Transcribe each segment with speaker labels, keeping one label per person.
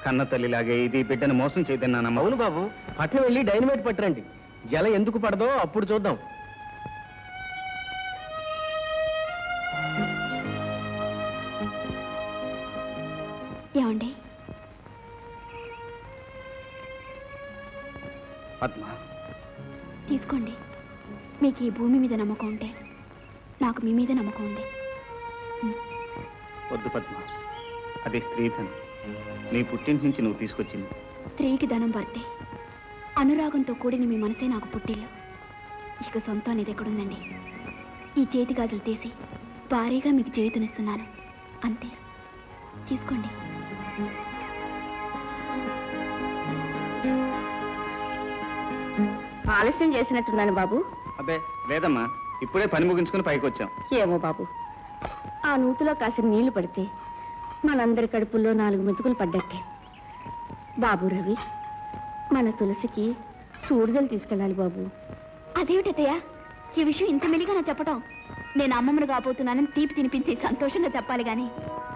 Speaker 1: కన్న తల్లిలాగే ఇది బిడ్డను మోసం చేయదన్నానమ్మా.
Speaker 2: అవును బాబు, పట్నం వెళ్ళి డైనమైట్ పట్టరండి. జల ఎందుకు పడదో అప్పుడు చూద్దాం.
Speaker 3: ఏమండి?
Speaker 1: పద్మ,
Speaker 3: తీసుకోండి. మీకు ఈ భూమి మీద నమ్మకం ఉంటే నాకు మీ మీద నమ్మకం ఉంది.
Speaker 1: వద్దు పద్మ, అది స్త్రీధనం. నీ పుట్టింటి నుంచి నువ్వు తీసుకొచ్చింది.
Speaker 3: స్త్రీకి ధనం పడితే అనురాగంతో కూడిన మీ మనసే నాకు పుట్టిల్లు. ఇక సొంతం అనేది ఎక్కడుందండి? ఈ చేతి గాజులు తీసి భారీగా మీకు చేయుతనిస్తున్నాను, అంతే. తీసుకోండి.
Speaker 4: ఆలస్యం చేసినట్టున్నాను బాబు.
Speaker 1: అబ్బే లేదమ్మా, ఇప్పుడే పని ముగించుకుని పైకి వచ్చాం.
Speaker 4: ఏమో బాబు, ఆ నూతిలో కాసిన నీళ్లు పడితే మనందరి కడుపుల్లో 4 మెతుకులు పడ్డట్టే. బాబు రవి, మన తులసికి సూడిదలు తీసుకెళ్ళాలి బాబు.
Speaker 3: అదేమిటయ్యా ఈ విషయం ఇంత మెలిగా నా చెప్పటం? నేను అమ్మమ్మను కాబోతున్నానని తీపి తినిపించి సంతోషంగా చెప్పాలి గాని.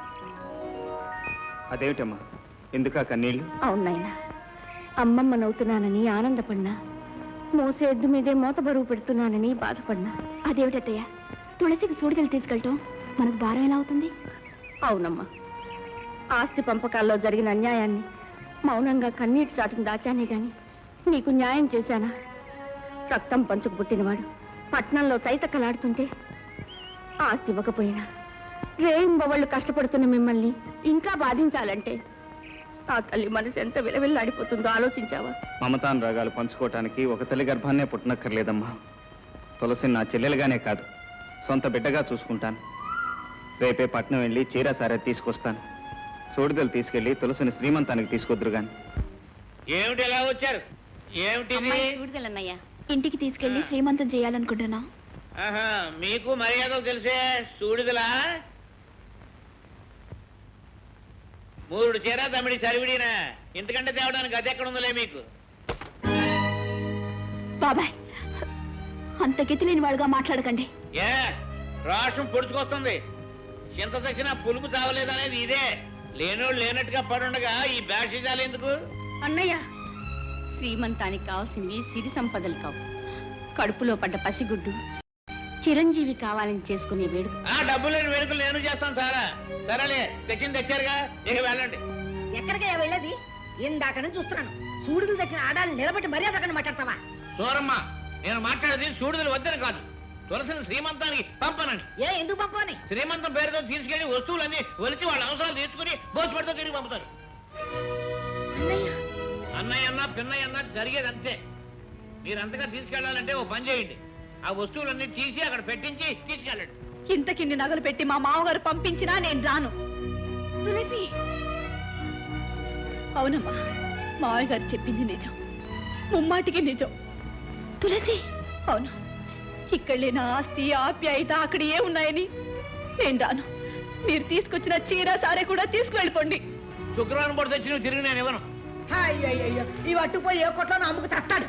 Speaker 1: అదేమిటమ్మా, ఎందుకా కన్నీళ్ళు?
Speaker 4: అవునాయనా, అమ్మమ్మనవుతున్నానని ఆనందపడినా, మోసే ఎద్దు మీదే మోత బరువు పెడుతున్నానని బాధపడినా.
Speaker 3: అదేమిటయ్యా తులసికి సూడిదలు తీసుకెళ్ళటం మనకు భారం ఎలా అవుతుంది?
Speaker 4: అవునమ్మా, ఆస్తి పంపకాల్లో జరిగిన అన్యాయాన్ని మౌనంగా కన్నీటి చాటును దాచానే గాని నీకు న్యాయం చేశానా? రక్తం పంచుకు పుట్టినవాడు పట్నంలో తైతక్కలాడుతుంటే ఆస్తి ఇవ్వకపోయినా రేయింబవళ్ళు కష్టపడుతున్న మిమ్మల్ని ఇంకా బాధించాలంటే ఆ తల్లి మనసు ఎంత విలవిల్లాడిపోతుందో ఆలోచించావా?
Speaker 1: మమతానురాగాలు పంచుకోవటానికి ఒక తల్లి గర్భాన్నే పుట్టనక్కర్లేదమ్మా. తులసిని నా చెల్లెలుగానే కాదు, సొంత బిడ్డగా చూసుకుంటాను. రేపే పట్నం వెళ్ళి చీర సారే తీసుకొస్తాను. సూడిదలు తీసుకెళ్లి తులసిని శ్రీమంతానికి తీసుకొద్దురు గాని.
Speaker 5: ఏమిటి ఎలా వచ్చారు?
Speaker 4: సూడిదలన్నయ్యా.
Speaker 3: ఇంటికి తీసుకెళ్లి శ్రీమంతం చేయాలనుకుంటున్నా.
Speaker 5: మీకు మర్యాదలు తెలిసే సూడిదలా? 3 చీర తమిడి సరివిడినా, ఇంతకంటే తేవడానికి అది ఎక్కడ ఉందలే మీకు.
Speaker 3: బాబాయ్, అంత గతి లేని వాడుగా మాట్లాడకండి.
Speaker 5: ఏ రాష్ట్రం పొడుచుకొస్తుంది. చింత తెచ్చినా పులుపు తావలేదనేది ఇదే. లేనోళ్ళు లేనట్టుగా పడుండగా ఈ బ్యాషిజాలు ఎందుకు?
Speaker 4: అన్నయ్య, శ్రీమంతానికి కావాల్సింది సిరి సంపదలు కావు, కడుపులో పడ్డ పసిగుడ్డు చిరంజీవి కావాలని చేసుకునే వేడుక.
Speaker 5: ఆ డబ్బు లేని వేడుకలు నేను చేస్తాను సారా. సరేలే, తెచ్చింది తెచ్చారుగా, ఇక వెళ్ళండి.
Speaker 6: ఎక్కడికే వెళ్ళేది? ఇందాక నుంచి చూస్తున్నాను. సూడులు తెచ్చిన ఆడాలు నిలబెట్టి మర్యాద అక్కడ మాట్లాడతావా?
Speaker 5: సూరమ్మ, నేను మాట్లాడేది సూడుదలు వద్దని కాదు, తులసిని శ్రీమంతానికి పంపనని.
Speaker 6: ఎందుకు పంపని?
Speaker 5: శ్రీమంతం పేరుతో తీసుకెళ్లి వస్తువులన్నీ ఒలిచి వాళ్ళ అవసరాలు తీర్చుకుని భోజపడితో తిరిగి పంపుతారు. అన్నయ్య అన్నా పిన్నయ్య అన్నా జరిగేది అంతే. మీరంతగా తీసుకెళ్లాలంటే ఓ పని చేయండి, ఆ వస్తువులన్నీ తీసి అక్కడ పెట్టించి తీసుకెళ్ళండి.
Speaker 4: ఇంతకిన్ని నగలు పెట్టి మా మామగారు పంపించినా నేను రాను.
Speaker 3: తులసి,
Speaker 4: అవునమ్మా, మావయ్య గారు చెప్పింది నిజం, ముమ్మాటికి నిజం.
Speaker 3: తులసి,
Speaker 4: అవును, ఇక్కడ లేని ఆస్తి ఆప్యాయత అక్కడ ఏ ఉన్నాయని నేను రాను. మీరు తీసుకొచ్చిన చీర సారే కూడా తీసుకువెళ్ళిపోండి.
Speaker 5: శుక్రవారం పూట తెచ్చి నువ్వు తిరిగి నేను ఇవ్వను.
Speaker 6: అయ్యయ్యో, ఈ అట్టుపోయి ఏ కొట్లో అమ్ముకు తస్తాడు.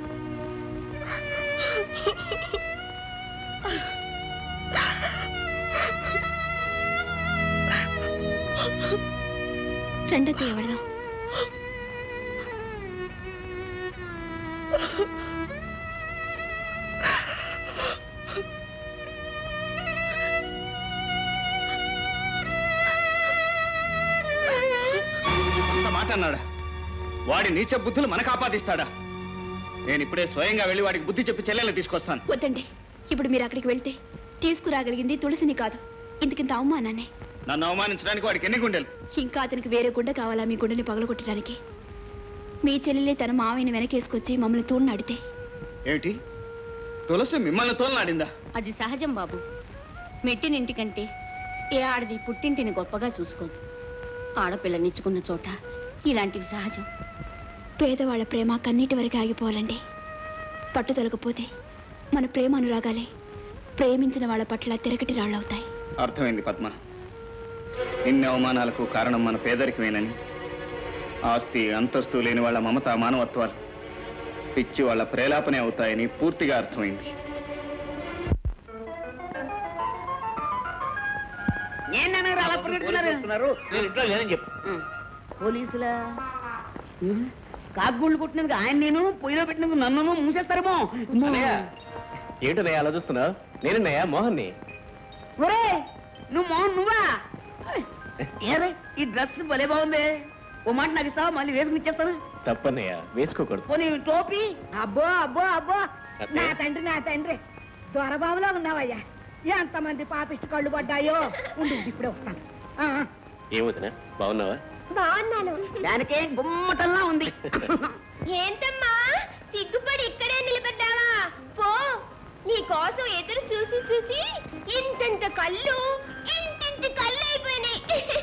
Speaker 3: రెండో ఎవడదాం.
Speaker 1: మాట అన్నాడా? వాడి నీచ బుద్ధులు మనకు ఆపాదిస్తాడా? నేను ఇప్పుడే స్వయంగా వెళ్ళి వాడికి బుద్ధి చెప్పి చెల్లెల్ని తీసుకొస్తాను.
Speaker 3: వద్దండి, ఇప్పుడు మీరు అక్కడికి వెళ్తే తీసుకురాగలిగింది తులసిని కాదు, ఇంతకింత అవమానాన్ని.
Speaker 1: నన్ను అవమానించడానికి వాడికి ఎన్ని గుండెలు?
Speaker 3: ఇంకా అతనికి వేరే గుండె కావాలా మీ గుండెని పగలగొట్టడానికి? మీ చెల్లెలే తన మావయ్యని వెనకేసుకొచ్చి మమ్మల్ని తోడునాడితే?
Speaker 1: ఏమిటి, తులసి మిమ్మల్ని తోలనాడిందా?
Speaker 4: అది సహజం బాబు. మెట్టినింటికంటే ఏ ఆడది పుట్టింటిని గొప్పగా చూసుకోదు. ఆడపిల్లనిచ్చుకున్న చోట ఇలాంటివి సహజం.
Speaker 3: పేదవాళ్ల ప్రేమ కన్నీటి వరకు ఆగిపోవాలండి. పట్టుదలకపోతే మన ప్రేమ అనురాగాలే ప్రేమించిన వాళ్ళ పట్ల తిరగటి రాళ్ళవుతాయి.
Speaker 1: అర్థమైంది పద్మ, ఇన్ని అవమానాలకు కారణం మన పేదరికమేనని. ఆస్తి అంతస్తు లేని వాళ్ళ మమత మానవత్వాలు పిచ్చి వాళ్ళ ప్రేలాపనే అవుతాయని పూర్తిగా అర్థమైంది.
Speaker 5: నేను ఇంట్లో లేదని చెప్పు.
Speaker 7: పోలీసులా కాకుగూళ్ళు కొట్టినందుకు ఆయన నేను పొయ్యిలో పెట్టినందుకు నన్ను మూసేస్తారేమో.
Speaker 2: ఏంటన్నయ్య అలా చూస్తున్నావు? నేనన్నయ్య మోహన్ని.
Speaker 7: ఒరే నువ్వు మోహన్ నువ్వా? ఏరే ఈ డ్రెస్ భలే బాగుంది. ఓ మాట నాకు ఇస్తావా? మళ్ళీ వేసుకుని ఇచ్చేస్తాను.
Speaker 2: తప్పన్నయ్య, వేసుకోకూడదు.
Speaker 7: పోనీ టోపీ.
Speaker 6: అబ్బో అబ్బో అబ్బో నా తండ్రి దొరబాబులో ఉన్నావయ్యా. ఎంతమంది పాపిష్టి కళ్ళు పడ్డాయో. ఉండు ఇప్పుడే వస్తాను.
Speaker 2: ఏమవుతున్నా, బాగున్నావా?
Speaker 3: బాగున్నాను.
Speaker 7: దానికే గుమ్మటంలా ఉంది.
Speaker 3: ఏంటమ్మా సిగ్గుపడి ఇక్కడే నిలబడ్డావా? పో, నీ కోసం ఎదురు చూసి చూసి ఇంతంత కళ్ళు ఇంటింటి కళ్ళు అయిపోయినాయి.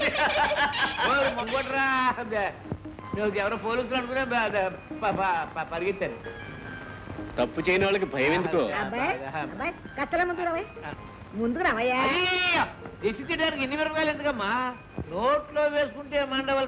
Speaker 7: నువ్వు ఎవరో పోలీసులు అనుకునే పరిగెత్తాను.
Speaker 2: తప్పు చేయని వాళ్ళకి భయం ఎందుకో?
Speaker 6: అబ్బాయి కత్తల ముందుకు రావయ్యా.
Speaker 7: దిష్టి తీయడానికి ఎన్ని మిరపకాయలు ఎందుకమ్మా? నోట్లో వేసుకుంటే మండవల